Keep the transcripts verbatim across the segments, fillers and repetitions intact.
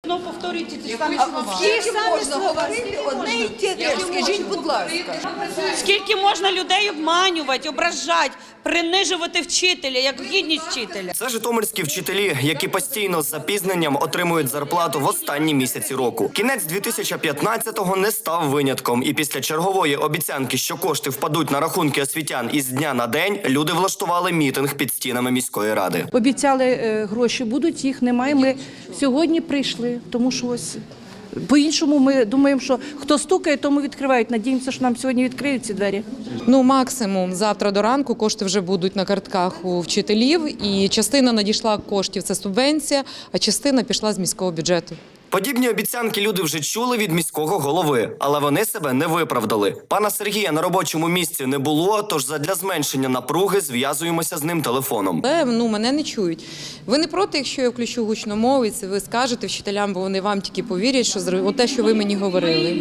Ну, повторюйте ті ж самі А слова. скільки можна говорити одне й те? Скажіть, будь ласка. Скільки можна людей обманювати, ображати, принижувати вчителя, як гідність вчителя? Це житомирські вчителі, які постійно з запізненням отримують зарплату в останні місяці року. Кінець дві тисячі п'ятнадцятого не став винятком. І після чергової обіцянки, що кошти впадуть на рахунки освітян із дня на день, люди влаштували мітинг під стінами міської ради. Обіцяли, е, гроші будуть, їх немає. Ми сьогодні прийшли, тому що ось по-іншому ми думаємо, що хто стукає, тому відкривають. Надіємося, що нам сьогодні відкриють ці двері. Ну, максимум завтра до ранку кошти вже будуть на картках у вчителів, і частина надійшла коштів – це субвенція, а частина пішла з міського бюджету. Подібні обіцянки люди вже чули від міського голови, але вони себе не виправдали. Пана Сергія на робочому місці не було, тож задля зменшення напруги зв'язуємося з ним телефоном. Але, ну, мене не чують. Ви не проти, якщо я включу гучномовець, ви скажете вчителям, бо вони вам тільки повірять, що зро- те, що ви мені говорили.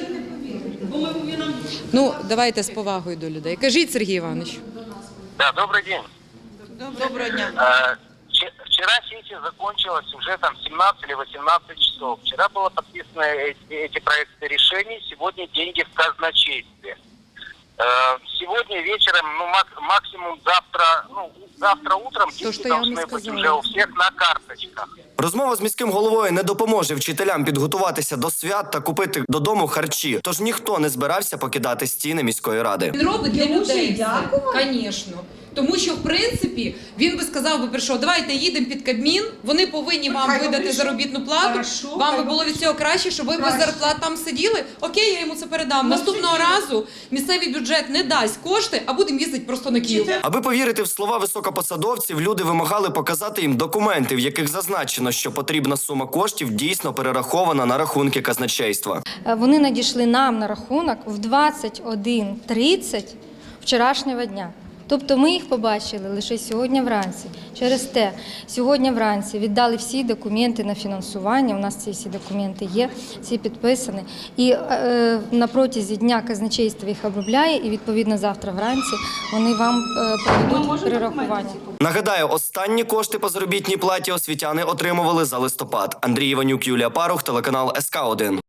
Ну, давайте з повагою до людей. Кажіть, Сергій Іванович. Да, добрый день. Доброго дня. Э, вче- Вчера сессия закончилась уже там семнадцать или восемнадцать часов. Вчера было подписаны эти, эти проекты решений, сегодня деньги в казначействе. Э, Сегодня вечером, ну мак- максимум завтра, ну завтра утром То, деньги что я вам и должны быть сказала. уже у всех на карточках. Розмова з міським головою не допоможе вчителям підготуватися до свят та купити додому харчі, тож ніхто не збирався покидати стіни міської ради. Він робить для людей. Звісно. Тому що, в принципі, він би сказав би, прийшов, давайте їдемо під Кабмін, вони повинні вам видати заробітну плату, вам би було від цього краще, щоб ви без зарплат там сиділи. Окей, я йому це передам. Наступного разу місцевий бюджет не дасть кошти, а будемо їздити просто на Київ. Аби повірити в слова високопосадовців, люди вимагали показати їм документи, в яких зазначено, що потрібна сума коштів дійсно перерахована на рахунки казначейства. Вони надійшли нам на рахунок в двадцять один тридцять вчорашнього дня. Тобто ми їх побачили лише сьогодні вранці. Через те, сьогодні вранці віддали всі документи на фінансування, у нас ці всі документи є, всі підписані. І е, на протязі дня казначейство їх обробляє, і відповідно завтра вранці вони вам е, проведуть перерахування. Нагадаю, останні кошти по заробітній платі освітяни отримували за листопад. Андрій Іванюк, Юлія Парух, телеканал ес ка один.